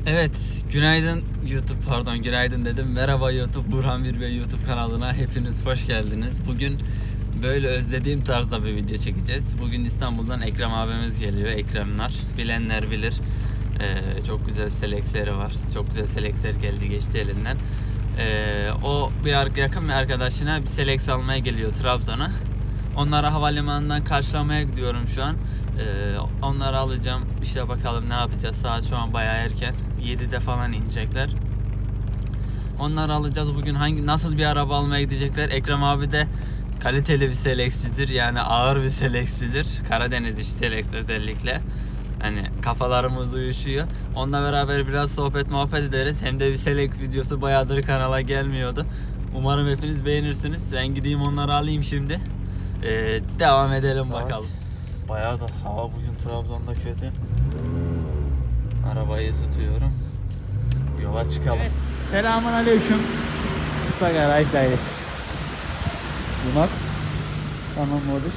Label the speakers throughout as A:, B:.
A: Evet, günaydın YouTube, günaydın dedim. Merhaba YouTube, Burhan Bir Bey YouTube kanalına hepiniz hoş geldiniz. Bugün böyle özlediğim tarzda bir video çekeceğiz. Bugün İstanbul'dan Ekrem abimiz geliyor, Ekremler. Bilenler bilir. Çok güzel seleksleri var. Çok güzel selekser geldi, geçti elinden. O yakın bir arkadaşına bir seleks almaya geliyor Trabzon'a. Onları havalimanından karşılamaya gidiyorum şu an. Onları alacağım. İşte bakalım ne yapacağız. Saat şu an bayağı erken. 7'de falan inecekler. Onları alacağız. Bugün nasıl bir araba almaya gidecekler? Ekrem abi de kaliteli bir seleksçidir. Yani ağır bir seleksçidir. Karadeniz işi seleks özellikle. Hani kafalarımız uyuşuyor. Onunla beraber biraz sohbet muhabbet ederiz. Hem de bir seleks videosu bayağıdır kanala gelmiyordu. Umarım hepiniz beğenirsiniz. Ben gideyim onları alayım şimdi. Devam edelim bakalım. Bayağı da hava bugün Trabzon'da kötü. Arabayı ısıtıyorum. Yola çıkalım.
B: Evet, selamun aleyküm. Usta garajdayız. Yumak. Tamam Moduş.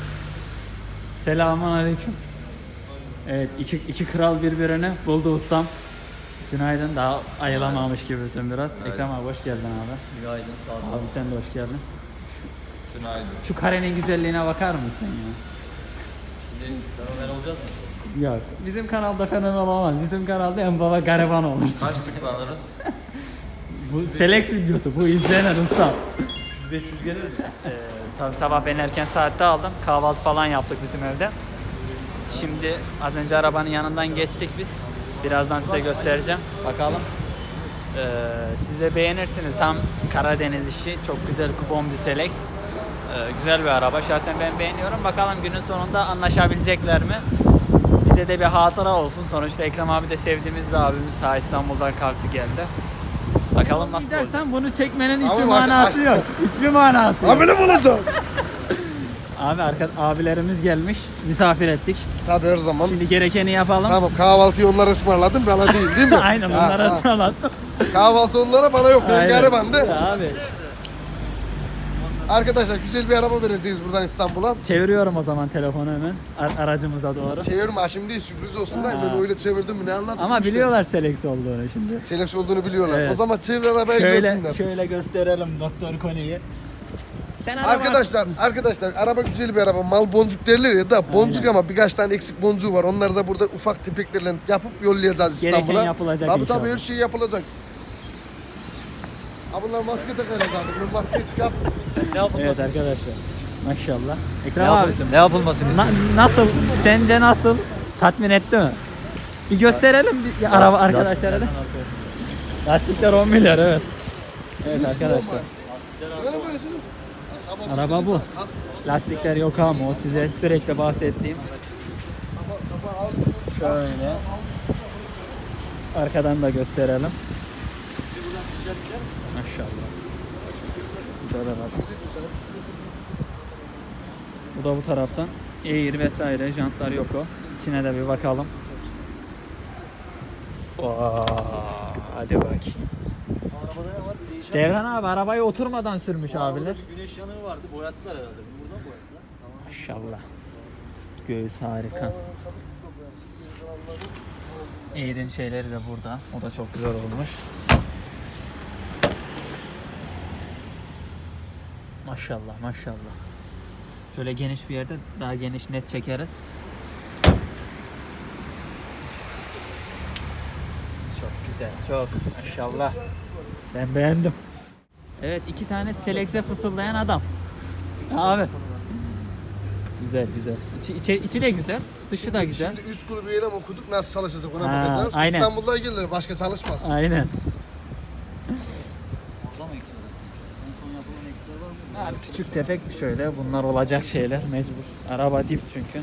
B: Selamun aleyküm. Evet, iki kral birbirine buldu ustam. Günaydın, daha ayılamamış gibisin biraz.
A: Günaydın.
B: Ekrem abi hoş geldin abi.
A: Günaydın, sağ ol.
B: Abi sen de hoş geldin.
A: Günaydın.
B: Şu karenin güzelliğine bakar mısın ya?
A: Şimdi fenomen olacağız mı?
B: Yok, bizim kanalda fenomen olamaz. Bizim kanalda en baba gariban olur.
A: Kaç tıklanırız?
B: Bu select videosu, bu izlenen usta.
A: 300-500 gelir mi?
B: Tabii sabah ben erken saatte aldım. Kahvaltı falan yaptık bizim evde. Şimdi az önce arabanın yanından geçtik biz. Birazdan size göstereceğim. Bakalım. Siz de beğenirsiniz. Tam Karadeniz işi. Çok güzel kupon bir Selex. Güzel bir araba. Şahsen ben beğeniyorum. Bakalım günün sonunda anlaşabilecekler mi? Bize de bir hatıra olsun. Sonuçta Ekrem abi de sevdiğimiz bir abimiz. İstanbul'dan kalktı geldi. Bakalım nasıl olacak. Sen bunu çekmenin hiçbir manası yok. Hiçbir manası yok.
C: Abi ne bulacağım?
B: Abi abilerimiz gelmiş. Misafir ettik.
C: Tabii her zaman.
B: Şimdi gerekeni yapalım.
C: Tamam, kahvaltıyı onlara ısmarladım, bana değil mi?
B: Aynen, onlara ısmarlattım.
C: Kahvaltı onlara, bana yok. Ben
B: Aynen.
C: garibandı.
B: Abi
C: Arkadaşlar güzel bir araba vereceğiz buradan İstanbul'a.
B: çeviriyorum o zaman telefonu hemen aracımıza doğru.
C: Çevirme şimdi, sürpriz olsun da ben öyle çevirdim mi ne anladım
B: Ama
C: işte.
B: biliyorlar Selex olduğunu şimdi.
C: Selex olduğunu biliyorlar.
B: Evet.
C: O zaman çevir arabayı görsünler.
B: Şöyle gösterelim Doktor Koni'yi. Sen
C: Arkadaşlar araba güzel bir araba. Mal boncuk derler ya da boncuk
B: Aynen.
C: ama birkaç tane eksik boncuğu var. Onları da burada ufak tepeklerle yapıp yollayacağız
B: Gereken
C: İstanbul'a.
B: yapılacak
C: Tabii
B: inşallah.
C: her şey yapılacak. Ha bunlar maske takacak abi. Bunun maskeyi çıkart.
A: Ne yapılması?
B: Evet arkadaşlar. Maşallah. Ekrem abi.
A: Ne yapılması?
B: Nasıl? Sence nasıl? Tatmin etti mi? Bir gösterelim araba arkadaşlara da. Lastikler 10 milyar evet. Evet arkadaşlar.
C: Ne yapıyorsunuz?
B: Araba bu. Lastikler yok ama o size sürekli bahsettiğim. Şöyle. Arkadan da gösterelim. Maşallah. Güzel araba. Bu da bu taraftan. Air vesaire, jantlar yok o. İçine de bir bakalım. Oo, hadi bakayım.
A: Arabada ne var? Bir değişen.
B: Devran abi arabayı oturmadan sürmüş abiler.
A: Güneş yanığı vardı. Boyattılar herhalde. Buradan boyattılar. Tamam.
B: Maşallah. Göğüs harika. Air'in şeyleri de burada. O da çok güzel olmuş. Maşallah maşallah. Şöyle geniş bir yerde daha geniş net çekeriz. Çok güzel, çok maşallah. Ben beğendim. Evet, iki tane Selex'e fısıldayan adam. Abi. Güzel güzel. İçi de güzel, dışı da güzel.
C: Şimdi 3 grubu eylem okuduk, nasıl çalışacak ona
B: Ha,
C: bakacağız.
B: aynen.
C: İstanbul'da gelir, başka çalışmaz.
B: Aynen.
A: Orada mı eksikler? En son yapılan eksikler var mı?
B: Abi küçük tefek şöyle bunlar olacak şeyler mecbur. Araba dip çünkü.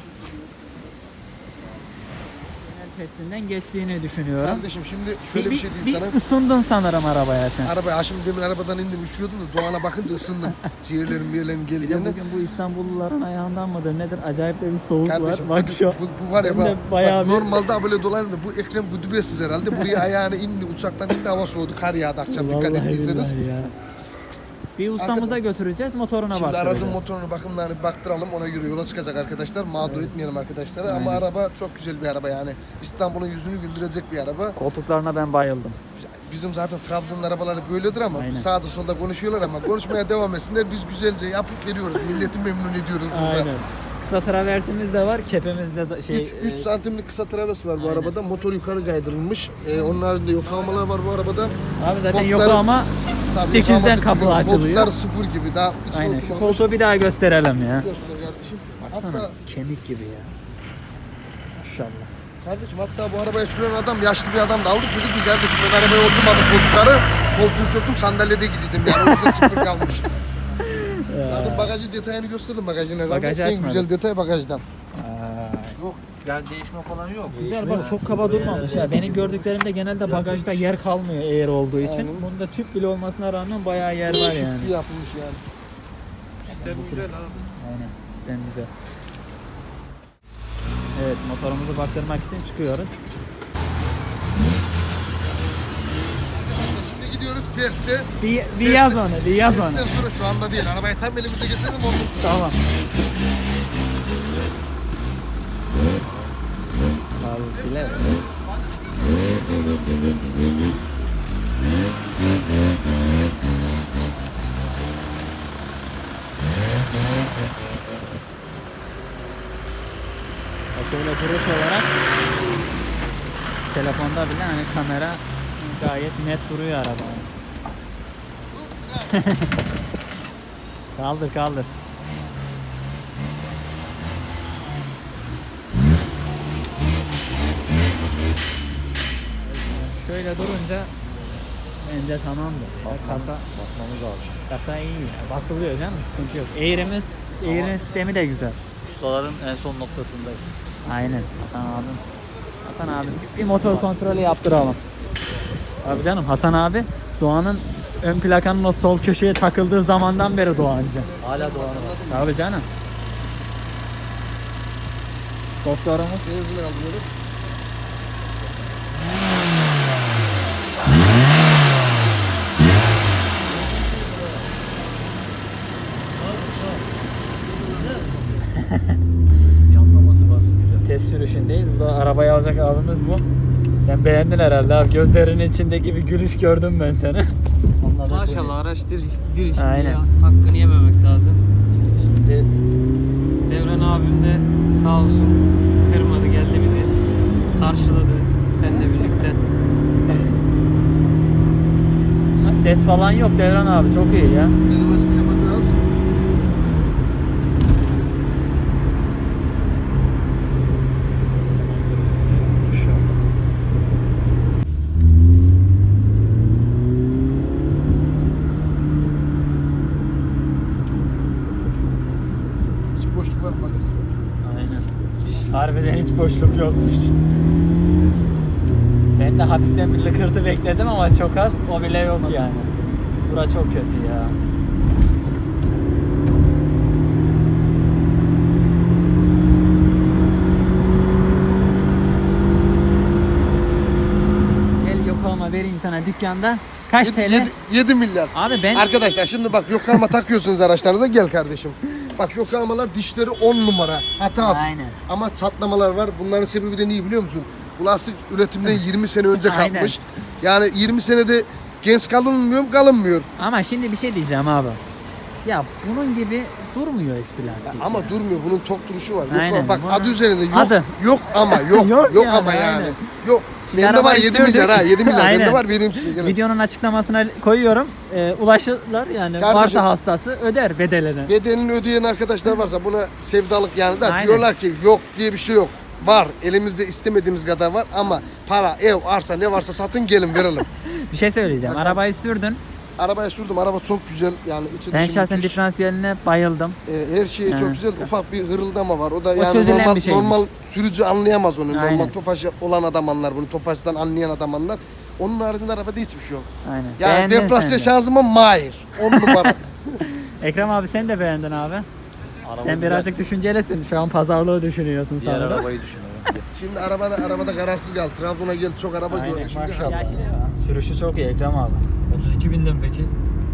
B: Genel testinden geçtiğini düşünüyorum.
C: Kardeşim şimdi şöyle bir şey diyeyim sana.
B: Bir ısındın sanırım arabaya sen.
C: Arabaya şimdi demin arabadan indim, üşüyordum da Doğan'a bakınca ısındım. Ciğerlerim bir yerlerim
B: Bir de
C: geldiğinde.
B: bugün bu İstanbulluların ayağından mıdır nedir acayip de bir soğuk
C: Kardeşim
B: var. Bak şu.
C: bu var ya
B: Hem de
C: bak,
B: bayağı bir-
C: normalde böyle dolanır da bu Ekrem güdübesiz herhalde. Buraya ayağını indi, uçaktan indi, hava soğudu, kar yağdı akşam, dikkat
B: Vallahi
C: ettiyseniz.
B: billahi ya. Bir ustamıza götüreceğiz, motoruna
C: Şimdi
B: baktıracağız.
C: aracın motorunu bakımlarını baktıralım, ona göre yola çıkacak arkadaşlar. Mağdur etmeyelim arkadaşları ama araba çok güzel bir araba yani. İstanbul'un yüzünü güldürecek bir araba.
B: Koltuklarına ben bayıldım.
C: Bizim zaten Trabzon'un arabaları böyledir ama
B: Aynen.
C: sağda solda konuşuyorlar ama konuşmaya devam etsinler. Biz güzelce yapıp veriyoruz. Milleti memnun ediyoruz burada.
B: Aynen. Kısa traversimiz de var, kepimiz de
C: 3 santimlik kısa travesi var bu
B: Aynen.
C: arabada. Motor yukarı kaydırılmış. Onun haricinde yoklamalar var bu arabada.
B: Abi zaten
C: Koltukları-
B: yok ama
C: Tabii
B: 8'den
C: yoklamadık
B: kapı
C: güzel.
B: açılıyor.
C: Koltuklar sıfır gibi. Daha hiç
B: aynen şu
C: oturmamış.
B: koltuğu bir daha gösterelim ya.
C: Göster kardeşim.
B: Baksana
C: Hatta,
B: kemik gibi ya. Maşallah.
C: kardeşim hatta bu arabayı süren adam yaşlı bir adam da aldık. Dedi ki kardeşim ben arabaya oturmadım koltukları. Koltuğu söktüm sandalyede gidiyordum yani. O yüzden sıfır kalmış. Zaten bagajı detayını gösterdim bagajın herhalde.
B: Bagajı
C: En
B: açmadım.
C: güzel detay bagajdan.
D: Yok yani değişme falan yok.
B: Güzel bak çok kaba durmamış ya. Benim gördüklerimde genelde bagajda yer kalmıyor eğer olduğu için.
C: Aynen.
B: Bunda tüp bile olmasına rağmen bayağı yer var yani.
C: Çok iyi yapılmış yani.
D: Sistem güzel abi.
B: Aynen sistem güzel. Evet motorumuzu baktırmak için çıkıyoruz.
C: Şimdi gidiyoruz teste.
B: Bir yaz onu, bir yaz onu.
C: Testten sonra şu anda değil. Arabayı tam elimizde geçelim onu.
B: Tamam. Abi bile. Şöyle duruş olarak telefonda bile hani kamera gayet net duruyor araba. Kaldır kaldır. Şöyle durunca bence tamamdır.
D: Basmamız lazım.
B: Kasa iyi ya. Basılıyor canım sıkıntı yok. Eğrinin sistemi de güzel.
D: Ustaların en son noktasındayız.
B: Aynen Hasan abi bir motor kontrolü yaptıralım. Abi canım Hasan abi Doğan'ın ön plakanın o sol köşeye takıldığı zamandan beri Doğancı.
D: Hala Doğan'a var.
B: Abi canım. Doktorumuz.
C: Benzin alıyoruz.
D: Yanlaması var. Güzel.
B: Test sürüşündeyiz. Bu da arabayı alacak abimiz bu. Sen beğendin herhalde abi. Gözlerinin içindeki bir gülüş gördüm ben seni.
E: Maşallah araçtır bir iş.
B: Aynen.
E: Hakkını yememek lazım.
B: Şimdi
E: Devran abim de sağ olsun kırmadı geldi bizi karşıladı seninle birlikte.
B: ama ses falan yok Devran abi çok iyi ya.
C: Denemesini yapacağız. Hiç boşluk var mı bakın?
B: Aynen. Harbiden hiç boşluk yokmuş. Ben de hafiften bir lıkırtı bekledim ama çok az. O bile yok yani. Bura çok kötü ya. Gel yoklama vereyim sana dükkanda. Kaç TL?
C: 7 milyar.
B: Abi ben
C: Arkadaşlar şimdi bak yoklama takıyorsunuz araçlarınıza gel kardeşim. Bak yoklamalar dişleri 10 numara hatasız.
B: Aynen.
C: Ama çatlamalar var. Bunların sebebi de niye biliyor musun? Bu lastik üretimden 20 sene önce
B: Aynen.
C: kalkmış. Yani 20 senede genç kalınmıyor mu? Kalınmıyor.
B: ama şimdi bir şey diyeceğim abi. Ya bunun gibi durmuyor hiçbir lastik.
C: Ama
B: ya.
C: durmuyor. Bunun tok duruşu var.
B: Aynen.
C: Yok, bak
B: Bunun
C: adı üzerinde yok.
B: adı.
C: Yok ama yok.
B: Yok
C: yok
B: yani,
C: ama yani.
B: aynen.
C: Yok.
B: Şimdi
C: Bende var
B: arabayı
C: 7 milyar ha. 7 milyar.
B: Aynen.
C: Bende var vereyim size. Gelin.
B: Videonun açıklamasına koyuyorum. Ulaşırlar yani
C: Kardeşim-
B: varsa hastası öder bedelini.
C: Bedelini ödeyen arkadaşlar varsa buna sevdalık yani da
B: Aynen.
C: diyorlar ki yok diye bir şey yok. Var. Elimizde istemediğimiz kadar var ama para, ev, arsa ne varsa satın gelin verelim.
B: Bir şey söyleyeceğim.
C: Bakalım.
B: Arabayı sürdün.
C: Arabaya sürdüm. Araba çok güzel. Yani içi
B: Ben
C: dışı
B: şahsen
C: müthiş.
B: diferansiyeline bayıldım.
C: Her şey
B: Yani.
C: çok güzel. Ufak bir hırıldama var. O da
B: O
C: yani
B: çözülen
C: normal
B: bir şeymiş.
C: normal sürücü anlayamaz onu.
B: Aynen.
C: Normal Tofaş olan adam anlar bunu. Tofaş'tan anlayan adam anlar. Onun haricinde arabada hiçbir şey yok.
B: Aynen.
C: Yani
B: Beğendin
C: deflasyon
B: sen de.
C: şanzıman mahir. 10 numara.
B: Ekrem abi sen de beğendin abi.
D: Araba
B: Sen
D: güzel.
B: birazcık düşüncelisin. Şu an pazarlığı düşünüyorsun
D: Diğer
B: sanırım.
D: arabayı düşünüyorum.
C: Şimdi arabada kararsız kal. Trabzon'a gel çok araba
B: Aynen
C: gördü. Şimdi
B: maşallah. Sürüşü çok iyi Ekrem abi.
D: 32 binden peki?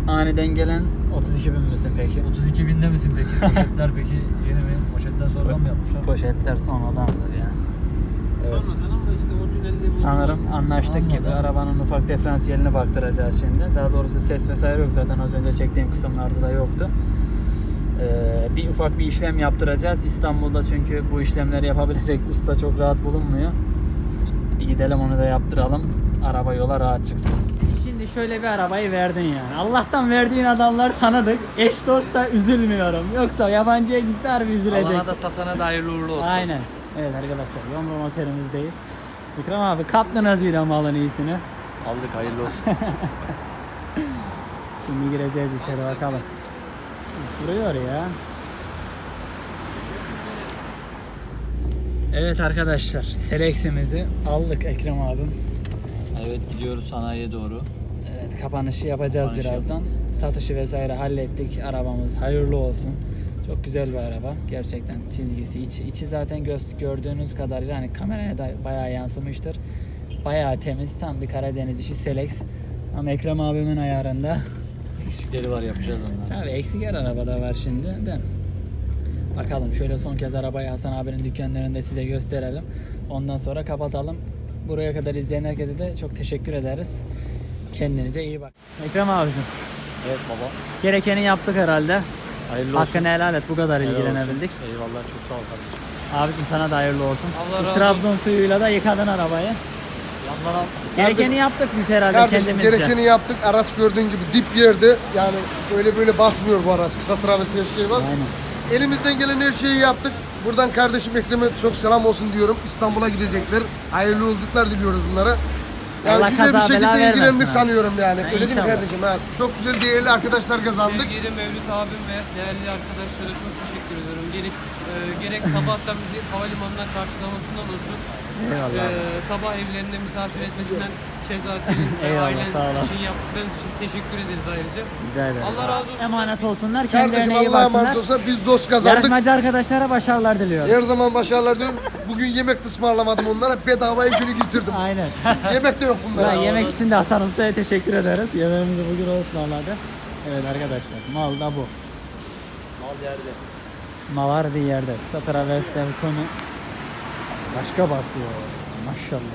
B: aniden gelen 32 bin misin peki?
D: 32 binde misin peki? Poşetler peki yeni mi? Poşetler sonradan mı yapmışlar?
B: Poşetler sonradandır ya. Evet.
E: Sonradan ama işte orijinalini bulmaz.
B: Sanırım anlaştık gibi.
D: Anladım.
B: Arabanın ufak diferansiyelini baktıracağız şimdi. Daha doğrusu ses vesaire yok zaten, az önce çektiğim kısımlarda da yoktu. Bir ufak bir işlem yaptıracağız. İstanbul'da çünkü bu işlemleri yapabilecek usta çok rahat bulunmuyor. Bir gidelim onu da yaptıralım. Araba yola rahat çıksın. Şimdi şöyle bir arabayı verdin yani. Allah'tan verdiğin adamlar tanıdık. Eş dost da üzülmüyorum. Yoksa yabancıya gitti harbi üzülecek.
A: Alana da satana da hayırlı uğurlu olsun.
B: Aynen. Evet arkadaşlar, Yomrom otelimizdeyiz. İkram abi kaptınız yine malın iyisini.
D: Aldık, hayırlı olsun.
B: Şimdi gireceğiz içeri bakalım. Duruyor ya. Evet arkadaşlar, Selex'imizi aldık Ekrem abim.
D: Evet, gidiyoruz sanayiye doğru.
B: Evet, kapanışı yapacağız
D: Kapanış
B: birazdan. Satışı vesaire hallettik. Arabamız hayırlı olsun. Çok güzel bir araba. Gerçekten çizgisi, içi zaten gördüğünüz kadarıyla hani kameraya da bayağı yansımıştır. Bayağı temiz. Tam bir Karadeniz işi Selex. Ama Ekrem abimin ayarında.
D: Eksikleri var, yapacağız onları.
B: Tabii eksik her arabada var şimdi de. Bakalım şöyle son kez arabayı Hasan abinin dükkanlarında size gösterelim. Ondan sonra kapatalım. Buraya kadar izleyen herkese de çok teşekkür ederiz. Kendinize iyi bak. Ekrem abicim,
D: Evet baba.
B: gerekeni yaptık herhalde.
D: Hayırlı olsun.
B: Hakkını helal et, bu kadar
D: Helal
B: ilgilenebildik.
D: olsun. Eyvallah, çok sağ ol kardeşim.
B: Abicim sana da hayırlı olsun.
E: Allah
B: Bu
E: razı
B: Trabzon suyuyla da yıkadın arabayı.
D: Yandan al.
B: Gerekeni yaptık biz herhalde
C: Kardeşim
B: kendimizce.
C: gerekeni yaptık. Araç gördüğün gibi dip yerde. Yani öyle böyle basmıyor bu araç. Kısa travesi her şey var.
B: Aynen.
C: Elimizden gelen her şeyi yaptık. Buradan kardeşim Ekrem'e çok selam olsun diyorum. İstanbul'a gidecekler. Hayırlı yolculuklar diliyoruz bunlara. Yani
B: Allah
C: güzel bir
B: kaza bela
C: şekilde
B: vermesin
C: ilgilendik
B: ha.
C: sanıyorum yani.
B: Ha,
C: Öyle değil mi
B: inşallah.
C: kardeşim? Ha, çok güzel değerli arkadaşlar kazandık.
E: Sevgili Mevlüt abim ve değerli arkadaşlara çok teşekkür ediyorum. Gerek sabahtan bizi havalimanından karşılamasından olsun.
B: Eyvallah.
E: Sabah evlerinde misafir etmesinden keza senin ve
B: Eyvallah,
E: ailen
B: sağ olasın.
E: için yaptıklarınız için teşekkür ederiz ayrıca.
B: Rica ederim.
E: Allah razı olsun.
B: Emanet olsunlar.
C: Kardeşim
B: Kendilerine iyi
C: Allah'a emanet
B: baksınlar.
C: olsun. Biz dost kazandık.
B: Yarışmacı arkadaşlara başarılar diliyorum.
C: Her zaman başarılar diyorum. Bugün yemek de ısmarlamadım onlara. Bedavaya günü getirdim.
B: Aynen.
C: Yemek de yok bunlara.
B: Ulan yemek için de Hasan Usta'ya teşekkür ederiz. Yemeğimizi bugün o ısmarladı. Evet arkadaşlar, mal da bu.
D: Mal yerde.
B: Mal harbi yerde. Kısa travesler konu başka basıyor. Maşallah.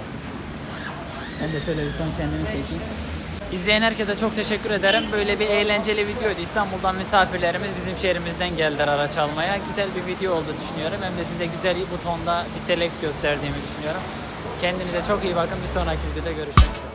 B: Ben de şöyle bir son kendimi çekeyim. İzleyen herkese çok teşekkür ederim. Böyle bir eğlenceli videoydu. İstanbul'dan misafirlerimiz bizim şehrimizden geldiler araç almaya. Güzel bir video oldu düşünüyorum. Hem de size güzel butonda bir Selex gösterdiğimi düşünüyorum. Kendinize çok iyi bakın. Bir sonraki videoda görüşmek üzere.